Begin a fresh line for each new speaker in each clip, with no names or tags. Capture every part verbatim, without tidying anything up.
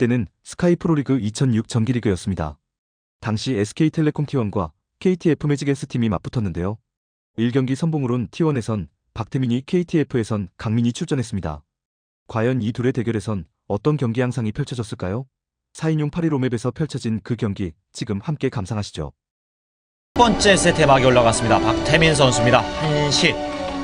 때는 스카이 프로리그 이천육 정기리그였습니다. 당시 에스케이텔레콤 티원과 케이티에프 매직에스팀이 맞붙었는데요. 일 경기 선봉으론 티원에선 박태민이, 케이티에프에선 강민이 출전했습니다. 과연 이 둘의 대결에선 어떤 경기 양상이 펼쳐졌을까요? 사 인용 팔 일 홈맵에서 펼쳐진 그 경기 지금 함께 감상하시죠.
첫 번째 세트에 막이 올라갔습니다. 박태민 선수입니다. 한 시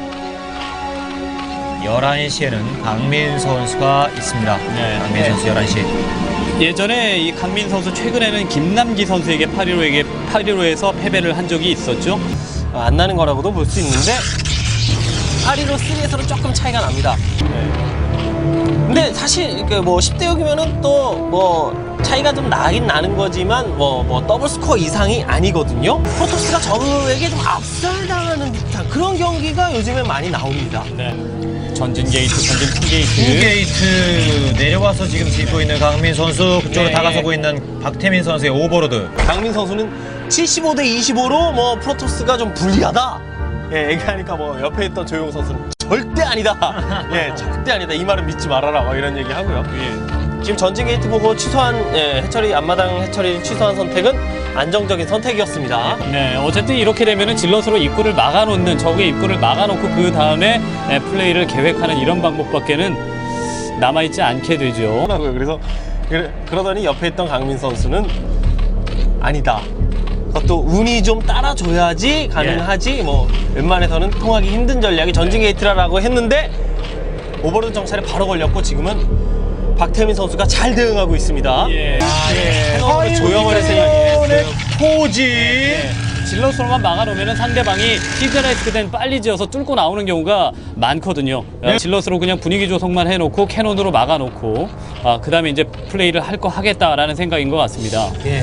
열한 시에는 강민 선수가 있습니다. 네, 강민
네.
선수 열한 시.
예전에 이 강민 선수 최근에는 김남기 선수에게 팔 일오에게 팔 일오에서 패배를 한 적이 있었죠.
아, 안 나는 거라고도 볼 수 있는데 팔 일오 삼에서는 조금 차이가 납니다. 네. 근데 사실 뭐 십 대 육이면은 또 뭐 차이가 좀 나긴 나는 거지만 뭐, 뭐 더블 스코어 이상이 아니거든요. 프로토스가 저그에게 좀 압살당하는 듯한 그런 경기가 요즘에 많이 나옵니다.
네. 전진 게이트, 전진 투 게이트.
투 게이트 내려와서 지금 짚고 있는 강민 선수, 그쪽으로
네.
다가서고 있는 박태민 선수의 오버로드.
강민 선수는 칠십오 대 이십오로 뭐 프로토스가 좀 불리하다. 예, 얘기하니까 뭐 옆에 있던 조용 선수는 절대 아니다. 예, 절대 아니다. 이 말은 믿지 말아라. 막 이런 얘기 하고요. 예. 지금 전진 게이트 보고 취소한 예, 해처리 앞마당 해처리 취소한 선택은 안정적인 선택이었습니다.
네, 어쨌든 이렇게 되면은 질럿으로 입구를 막아놓는, 적의 입구를 막아놓고 그 다음에 네, 플레이를 계획하는 이런 방법밖에는 남아있지 않게 되죠.
그래서 그래, 그러더니 옆에 있던 강민 선수는 아니다. 그것도 운이 좀 따라줘야지 가능하지. 뭐 웬만해서는 통하기 힘든 전략이 전진 게이트라고 했는데 오버로드 정찰에 바로 걸렸고 지금은 박태민 선수가 잘 대응하고 있습니다.
예.
아, 예. 해놓고 조영을 했어요.
포지.
네. 질럿으로만 막아놓으면 상대방이 히드라이스크 된 빨리 지어서 뚫고 나오는 경우가 많거든요.
네.
질럿으로 그냥 분위기 조성만 해놓고 캐논으로 막아놓고 아, 그 다음에 이제 플레이를 할 거 하겠다라는 생각인 것 같습니다.
예.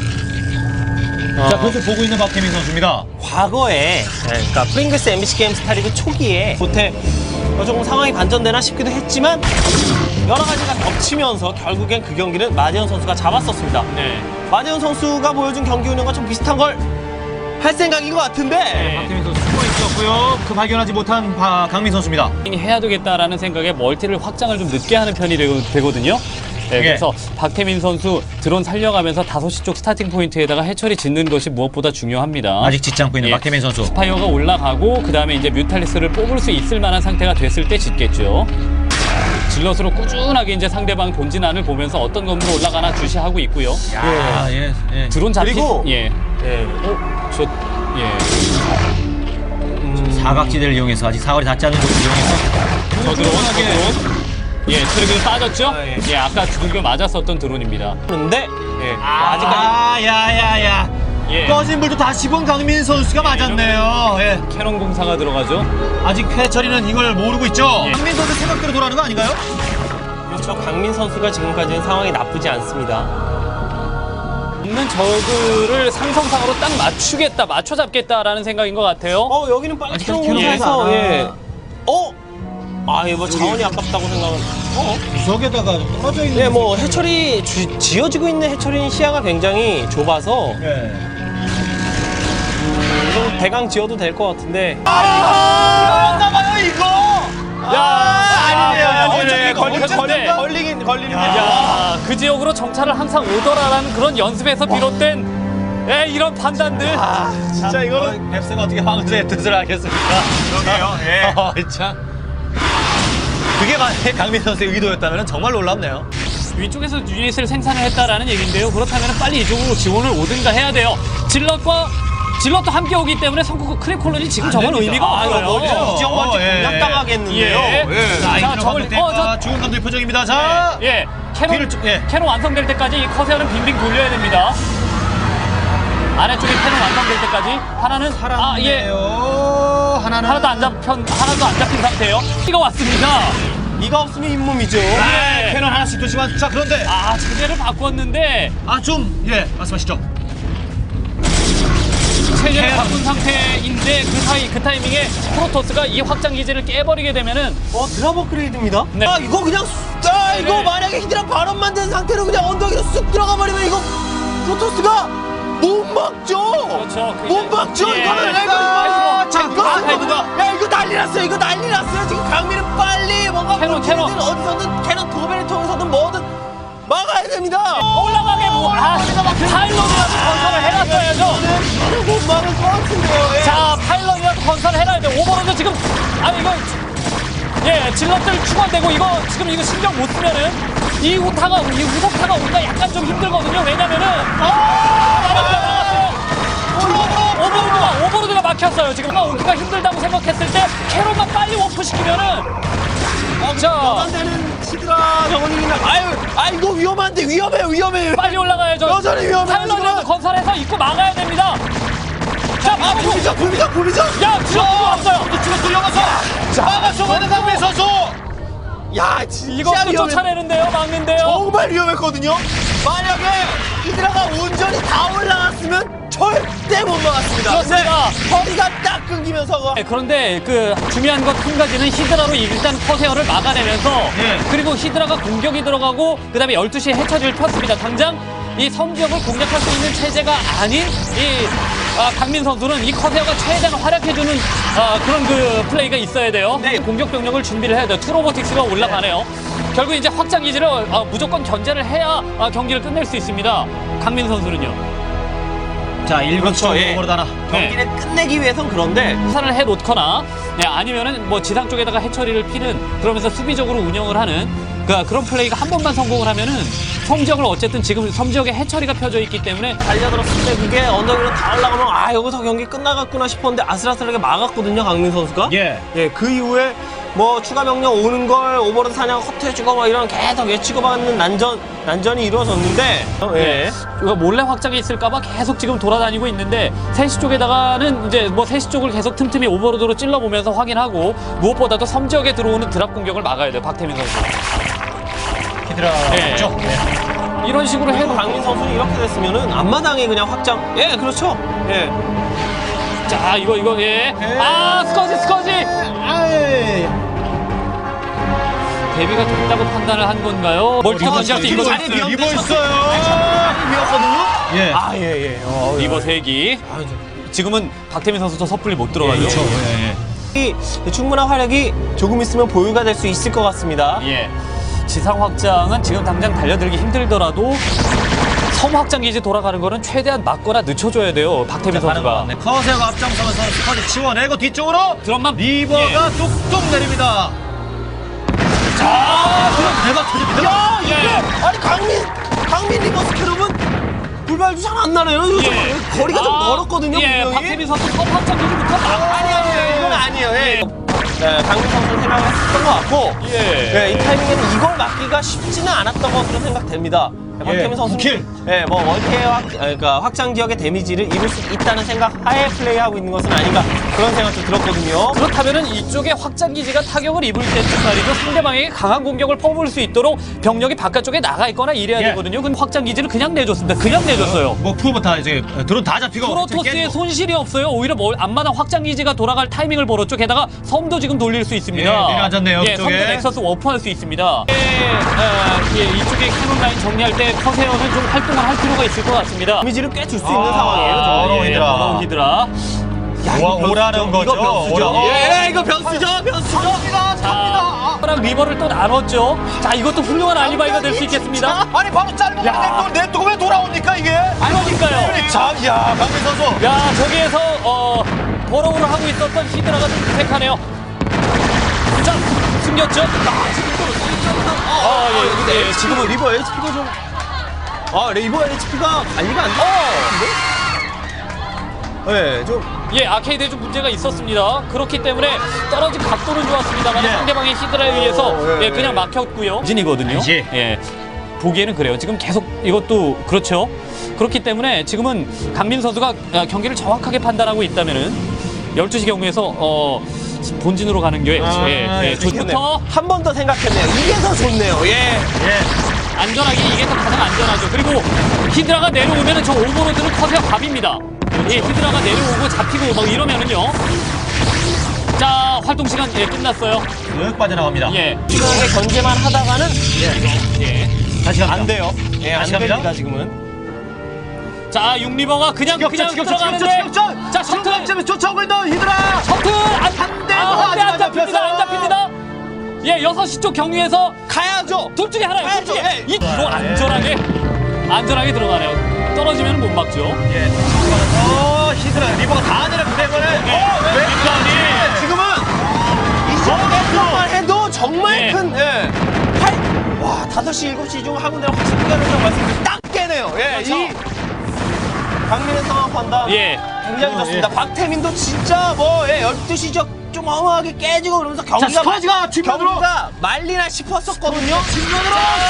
자, 그것을 보고 있는 박태민 선수입니다.
과거에 그러니까 프링글스 엠비씨 게임 스타리그 초기에 못해 조금 상황이 반전되나 싶기도 했지만 여러 가지가 겹치면서 결국엔 그 경기는 마재현 선수가 잡았었습니다.
네.
마재현 선수가 보여준 경기 운영과 좀 비슷한 걸 할 생각인 것 같은데
박태민 선수 숨어 있었고요. 그 발견하지 못한 바, 강민 선수입니다.
해야 되겠다라는 생각에 멀티를 확장을 좀 늦게 하는 편이 되, 되거든요. 네,
예.
그래서 박태민 선수 드론 살려가면서 다섯 시 쪽 스타팅 포인트에다가 해처리 짓는 것이 무엇보다 중요합니다.
아직 짓지 않고 있는
예.
박태민 선수.
스파이어가 올라가고 그 다음에 이제 뮤탈리스를 뽑을 수 있을 만한 상태가 됐을 때 짓겠죠. 질럿으로 꾸준하게 이제 상대방 본진안을 보면서 어떤 건물로 올라가나 주시하고 있고요.
야, 예, 예.
드론 잡히
그리고-
예,
예.
어, 저 예.
사각지대를 이용해서 아직 사거리 닿지 않는 곳을 이용해서
저 드론, 저 드론. 예, 트랙을 빠졌죠?
아, 예.
예, 아까 두들겨 맞았었던 드론입니다.
그런데 예. 아직까지
아, 야야야.
예.
꺼진 불도 다시 본 강민 선수가 맞았네요. 예.
캐논 공사가 들어가죠.
아직 해처리는 이걸 모르고 있죠.
예.
강민 선수 생각대로 돌아가는 거 아닌가요?
그렇죠. 강민 선수가 지금까지는 상황이 나쁘지 않습니다.
없는 저그를 상성상으로 딱 맞추겠다, 맞춰 잡겠다라는 생각인 것 같아요.
어 여기는 빨리
아직까지
캐논
캐논
공사해서
공사.
예. 어? 아, 이거 뭐 자원이 아깝다고 생각은. 어?
구석에다가 떨어져 있는.
네, 뭐 해처리 주, 지어지고 있는 해처리는 시야가 굉장히 좁아서
예.
좀 대강 지어도 될 것 같은데.
아, 나봐요 이거.
야,
아니네요.
아,
어차피
걸리-
어차피
걸리-
걸리긴 걸리는 게.
야, 그 지역으로 정찰을 항상 오더라라는 그런 연습에서 비롯된 예, 이런 판단들.
아, 진짜 이거는
뱁스가 어떻게 황제의 뜻을 알겠습니까? 그러게요. 예. 어, 참. 그게 만약에 강민 선수의 의도였다면 정말 놀랍네요.
위쪽에서 유닛을 생산을 했다라는 얘기인데요. 그렇다면 빨리 이쪽으로 지원을 오든가 해야 돼요. 질럿과 질럿도 함께 오기 때문에 성국 크랙 콜론이 지금 정말
됩니다.
의미가
아,
없어요.
이거
이정환
예.
공략당하겠는데요.
예.
예.
자,
자,
저걸-
저걸
어, 저-
죽은 감독의 표정입니다. 자.
예, 캐논,
뒤를 쭉- 예.
캐논 완성될 때까지 이 커세어는 빙빙 돌려야 됩니다. 아래쪽에 캐논 완성될 때까지 하나는 아, 예,
살았네요. 하나는
하나도 안 잡힌 하나도 안 잡힌 상태예요. 이거 왔습니다.
이가 없으면 잇몸이죠.
아, 캐논 하나씩 두시만. 자, 그런데
아, 체제를 바꿨는데
아, 좀 예, 말씀하시죠.
체제를
캐논.
바꾼 상태인데 그 사이 그 타이밍에 프로토스가 이 확장 기제를 깨버리게 되면은
어, 드랍 업그레이드입니다.
네.
아, 이거 그냥 쑥- 아, 이거
네.
만약에 히드라 발언만 된 상태로 그냥 언덕으로 쑥 들어가 버리면 이거 프로토스가 못 막죠.
그렇죠. 그게-
못 막죠.
예.
이거는
예.
이거
자,
이거
아,
이거 야 이거 난리 났어요. 이거 난리 났어요. 지금 강민은 빨리 뭔가
캐논,
어떻게든
캐논.
어디서든 캐논 도배를 통해서든 뭐든 막아야 올라갑니다.
올라가게 뭐, 아, 파일럿이라도 건설을 해놨어야죠.
못 막을 것 같은데요. 예.
자, 파일럿이라도 건설을 해놔야 돼. 오버로드 지금, 아니, 이거, 예, 질럿들 추가되고, 이거, 지금 이거 신경 못 쓰면은, 이 후타가, 이 후속타가 오기가 약간 좀 힘들거든요. 왜냐면은, 아, 막았어요, 막았어요. 오버로드가, 오버로드가 막혔어요. 지금 오기가 힘들다고 생각했을 때, 캐롤만 빨리 워프시키면은, 자,
되는 시드라 정원이나 아유, 아 이거 위험한데 위험해 위험해.
빨리 올라가야죠.
여전히 위험해요,
파일럿이라도
지금.
건설해서 입고 막아야 됩니다. 자,
아 불미정 불미정 불미정.
야, 질럿 들어왔어요.
지금 들려가서 막아줘가는 강민 선수.
야 진짜
이것도
위험해.
쫓아내는데요, 막는데요.
정말 위험했거든요. 만약에 히드라가 온전히 다 올라갔으면 절대 못 막았습니다.
그렇습니다.
근데 허리가 딱 끊기면서
네, 그런데 그 중요한 것 한 가지는 히드라로 일단 커세어를 막아내면서
예.
그리고 히드라가 공격이 들어가고 그다음에 열두 시에 해처리를 폈습니다. 당장 이 섬 지역을 공략할 수 있는 체제가 아닌 이 아, 강민 선수는 이 커세어가 최대한 활약해주는 아, 그런 그 플레이가 있어야 돼요.
네.
공격 병력을 준비를 해야 돼요. 투로보틱스가 올라가네요. 결국 이제 확장 기지를 아, 무조건 견제를 해야 아, 경기를 끝낼 수 있습니다. 강민 선수는요.
자, 일 분
그렇죠, 예.
오버로드 하나.
경기를 끝내기 위해선 그런데
사를 해 놓거나 네, 아니면은 뭐 지상 쪽에다가 해처리를 피는 그러면서 수비적으로 운영을 하는 그 그런 플레이가 한 번만 성공을 하면은 섬 지역을 어쨌든 지금 섬 지역에 해처리가 펴져 있기 때문에
달려들었을 때 그게 언덕 위로 다 올라가면 아 여기서 경기 끝나갔구나 싶었는데 아슬아슬하게 막았거든요 강민 선수가.
예.
예, 그 이후에 뭐 추가 병력 오는 걸 오버로드 사냥 허투해주고 막 이런 계속 예치고받는 난전 난전이 이루어졌는데. 예.
이거 몰래 확장이 있을까봐 계속 지금 돌아다니고 있는데 세 시 쪽에다가는 이제 뭐 세 시 쪽을 계속 틈틈이 오버로드로 찔러보면서 확인하고 무엇보다도 섬 지역에 들어오는 드랍 공격을 막아야 돼요 박태민 선수.
히드라
예.
죠
이런 식으로 해놓고
강민 선수는 이렇게 됐으면은 앞마당에 그냥 확장. 예, 그렇죠. 예.
자 이거 이거 예. 아 스커지 스커지.
아이.
대비가 됐다고 판단을 한 건가요? 멀티가 던질 수
리버
있거든요.
있어요. 리버 있어요.
미웠거든요.
예.
아, 예, 예. 어,
리버 세 기. 지금은 박태민 선수도 섣불리 못 들어가죠.
그렇죠. 예, 예.
이 충분한 활약이 조금 있으면 보유가 될 수 있을 것 같습니다.
예. 지상 확장은 지금 당장 달려들기 힘들더라도 섬 확장 기지 돌아가는 거는 최대한 막거나 늦춰줘야 돼요. 박태민 선수가.
네, 커세어가 앞장서면서 스쿼드 치워내고 뒤쪽으로
드럼만
리버가 뚝뚝 내립니다. 자, 그럼 대박 터집니다.
야, 이게
예.
아니 강민 강민 리버스 캐럿은 불발도 잘 안 나네요. 이거 좀
예.
거리가 좀
아,
멀었거든요.
예,
분명히.
박태민 선수 섬 확장 기지부터 막.
아니 아니에요. 이건 아니에요. 예. 네, 강민 선수는 생각을 했던 것 같고
예.
네, 이 타이밍에는 이걸 막기가 쉽지는 않았던 것으로 생각됩니다. 박태민 선수,
킬.
예, 뭐 원태의 확, 그러니까 확장 지역의 데미지를 입을 수 있다는 생각 하에 플레이하고 있는 것은 아닌가 그런 생각도 들었거든요.
그렇다면은 이쪽에 확장 기지가 타격을 입을 때쯤 말이죠. 상대방에게 강한 공격을 퍼부을 수 있도록 병력이 바깥쪽에 나가 있거나 이래야
예.
되거든요. 근데 확장 기지를 그냥 내줬습니다. 그냥 내줬어요.
뭐 프로브 다 이제 드론 다 잡히고
프로토스의 손실이 없어요. 오히려 뭐 앞마당 확장 기지가 돌아갈 타이밍을 벌었죠. 게다가 섬도 지금 돌릴 수 있습니다.
예, 내려앉았네요,
예,
그쪽에.
섬도 넥서스 워프할 수 있습니다. 예, 아, 예, 이쪽에 캐논 라인 정리할 때 커세어는 좀 활동을 할 필요가 있을 것 같습니다.
데미지를 꽤 줄 수 있는
아,
상황이에요.
저-
저는.
더러운
예,
히드라.
더러운 히드라.
야,
오, 오라는 거죠.
이거 변수죠.
오라.
예, 이거 변수죠. 변수죠.
자, 랑 리버를 또 나눴죠. 자, 이것도 훌륭한 알리바이가 될 수 있겠습니다.
아니 바로 짧은
야.
걸 냅두고 왜 돌아옵니까 이게?
그러니까요.
자, 야, 강민 선수.
야, 저기에서 어, 버러우를 하고 있었던 히드라가 좀 부색하네요. 자, 숨겼죠? 아, 지금 또 아, 예, 예, 지금은
리버 에이치피가 좀 아, 리버 에이치피가 관리가 안 돼. 예, 좀
예, 아케이드에 좀 문제가 있었습니다. 그렇기 때문에 떨어진 각도는 좋았습니다만
예.
상대방의 히드라에 의해서
어, 예,
예, 그냥
예.
막혔고요. 진이거든요.
예.
예. 보기에는 그래요. 지금 계속 이것도 그렇죠. 그렇기 때문에 지금은 강민 선수가 아, 경기를 정확하게 판단하고 있다면은 열두 시 경우에서 어, 본진으로 가는 게
아,
예, 예,
예,
좋부터
한 번 더 생각했네요. 이게 더 좋네요. 예.
예.
안전하게 이게 더 가장 안전하죠. 그리고 히드라가 내려오면은 저 오버로드는 커세어 밥입니다. 예, 히드라가 내려오고 잡히고 막 이러면은요. 자, 활동 시간 예, 끝났어요.
쓱 빠져나갑니다.
예,
시간에 견제만 하다가는
예.
다시 갑니다.
안 돼요. 예, 안
다시 갑니다.
됩니다, 지금은.
자, 육리버가 그냥 그냥 들어가는데. 자, 셔틀
점에 쫓아오고 있는 히드라.
셔틀 안,
한 대,
아,
더
한 대 안
아직 안
잡힙니다. 안
잡혔어요.
잡힙니다. 예, 여섯 시 쪽 경유에서
가야죠.
둘 중에 하나예요. 둘
가야죠.
중에.
예.
이 이거 안전하게 안전하게 들어가네요. 떨어지면 못 막죠.
예. 어, 히드라 리버가 다 하늘에 때문에. 어, 왜 왼쪽이 지금은
이정도만 해도 정말
예.
큰 예. 팔, 와 다섯 시 일곱 시 중 한 군데로 확실히 가는 말씀 딱 깨네요. 예.
그렇죠.
이 강민의 상황 판단
예.
굉장히 좋습니다. 박태민도 진짜 뭐 예, 열두 시 적 좀 허무하게 깨지고 그러면서 경기가
스쿼지가 뒷면으로.
경기가 말리나 싶었었거든요.
뒷면으로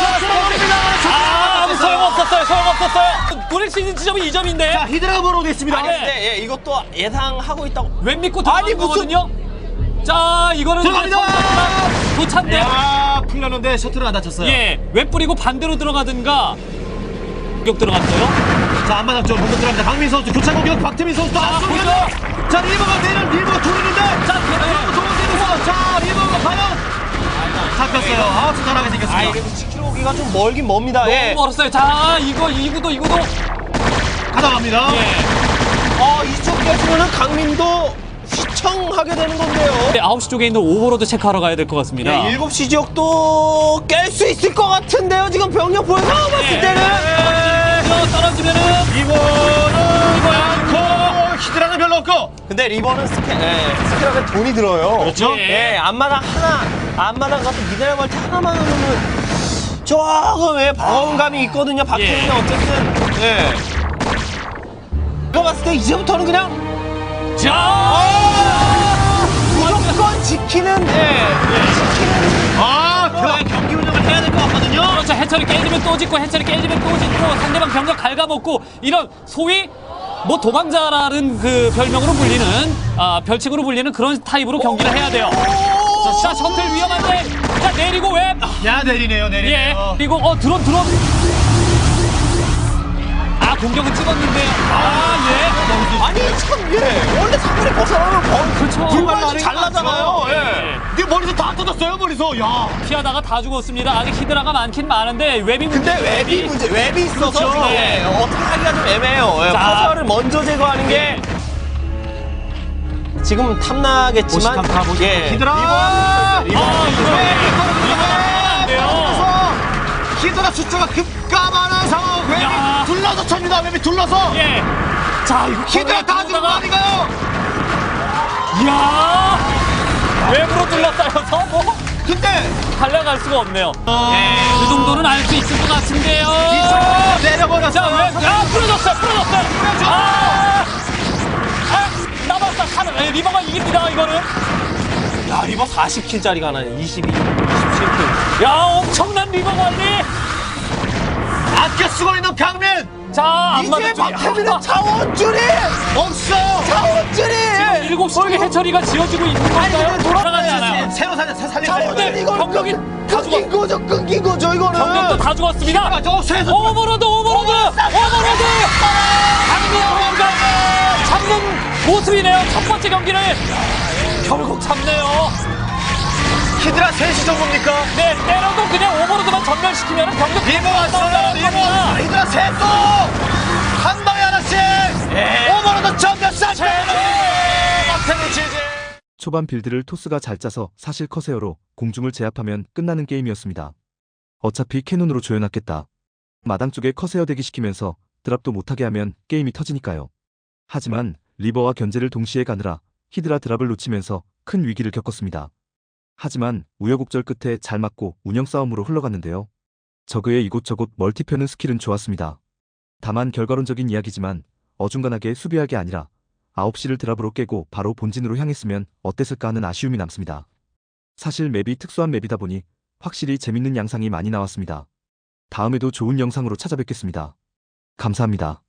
아, 아무 소용없었어요. 소용없었어요. 노릴 수 있는 지점이 이 점인데.
자, 히드라가 보러 오겠습니다.
아니 근데 예, 이것도 예상하고 있다고.
왼 믿고
아니,
들어가는
무슨-
거거든요. 자, 이거는
들어갑니다.
도찬데.
야, 풀렸는데 셔틀은 안 다쳤어요.
예, 왼 뿌리고 반대로 들어가든가. 공격 들어갔어요.
자, 안마당 쪽 공격 들어갑니다. 강민 선수 교차 공격 박태민 선수도
자,
앞서
보죠.
자, 리버가 내는 리버가 돌리는데.
자, 예.
도원대에서 자, 리버가 과연 잡혔어요. 아, 수단하게
아
생겼습니다.
이게 십 킬로미터가 좀 멀긴 멉니다. 예.
너무 멀었어요. 자, 이거 이구도 이구도.
가져갑니다.
예.
어 이쪽 깨지면은 강민도 휘청하게 되는 건데요.
네, 아홉 시 쪽에 있는 오버로드 체크하러 가야 될 것 같습니다.
예, 일곱 시 지역도 깰 수 있을 것 같은데요. 지금 병력 보여서 봤을
예.
때는.
예. 떨어지면은
이거는 이거 않고 히드라는 별로 없고.
근데 리버는 스캐, 예, 스캐럽에 돈이 들어요.
그렇죠?
예.
예, 앞마당 하나, 앞마당 같은 미네랄 멀티 하나만 하면은 조금 예, 방어감이 있거든요. 박태민은
예.
어쨌든. 예. 이거 봤을 때 이제부터는 그냥
자,
무조건 지키는, 예, 지키는.
아, 그래 경기 운영을 해야 될 것 같거든요.
그렇죠. 해철이 깨지면 또 짓고 해철이 깨지면 또 짓고 상대방 병력 갉아먹고 이런 소위 뭐 도망자라는 그 별명으로 불리는 아 별칭으로 불리는 그런 타입으로 경기를 해야 돼요. 자, 셔틀 위험한데 자 내리고 왜?
야, 내리네요,
예.
내리네요.
그리고 어 드론 드론. 아 공격은 찍었는데 아 예.
아니, 참, 예. 원래 사거리 벗어나면 번,
그렇죠.
불만이 잘 나잖아요. 예.
예.
네 머리서 다 터졌어요, 머리서. 야.
피하다가 다 죽었습니다. 아직 히드라가 많긴 많은데 웹이
근데
문제죠,
웹이 문제, 웹이 있어서
그렇죠.
지금 예, 어떻게 하기가 좀 애매해요. 예,
자.
파수화를 먼저 제거하는 게 지금 탐나겠지만
오십삼 타,
예,
히드라.
아 이거 이거 안 돼요.
히드라 숫자가 급감하는 상황.
야.
웹이 둘러서 칩니다. 웹이 둘러서.
예. 자 이거
히드라 다 죽은 거 아닌가요?
이야 웹으로 둘러싸여서 뭐
근데
달려갈 수가 없네요.
예.
그 정도는 알 수 있을 것 같은데요.
이쪽으로 내려버렸어요.
자, 웹, 아, 풀어졌어요, 풀어졌어요. 아, 아, 남았다. 하나, 예, 리버가 이깁니다, 이거는.
야, 리버 사십 킬짜리가 하나 이십이, 이십칠 킬.
야, 엄청난 리버 관리.
아껴 쓰고 있는 강민.
자, 안
이제
맞았죠.
박태민의 차원줄이
없어요.
차원줄이
일곱 시 쪽에 해처리가 지어지고 있는 건가요? 돌아가잖아요.
새로 살려, 새 살려.
차원줄 이거
병력이 다
끊긴 거죠, 끊긴 거죠 이거는.
병력도 다 죽었습니다.
저 새서
오버로드, 오버로드, 오버로드. 강민호가 잡는 모습이네요. 첫 번째 경기를 결국 잡네요.
히드라 셋이 정도입니까?
네, 때려도 그냥 오버로드만 전멸시키면 병력
리버 왔어요. 리버 왔어요. 히드라 셋도 한 방에 하나씩. 오버로드 전면 싹. 박태민 지지.
초반 빌드를 토스가 잘 짜서 사실 커세어로 공중을 제압하면 끝나는 게임이었습니다. 어차피 캐논으로 조여놨겠다. 마당 쪽에 커세어 대기시키면서 드랍도 못하게 하면 게임이 터지니까요. 하지만 리버와 견제를 동시에 가느라 히드라 드랍을 놓치면서 큰 위기를 겪었습니다. 하지만 우여곡절 끝에 잘 맞고 운영 싸움으로 흘러갔는데요. 저그의 이곳저곳 멀티 펴는 스킬은 좋았습니다. 다만 결과론적인 이야기지만 어중간하게 수비할 게 아니라 아홉 시를 드랍으로 깨고 바로 본진으로 향했으면 어땠을까 하는 아쉬움이 남습니다. 사실 맵이 특수한 맵이다 보니 확실히 재밌는 양상이 많이 나왔습니다. 다음에도 좋은 영상으로 찾아뵙겠습니다. 감사합니다.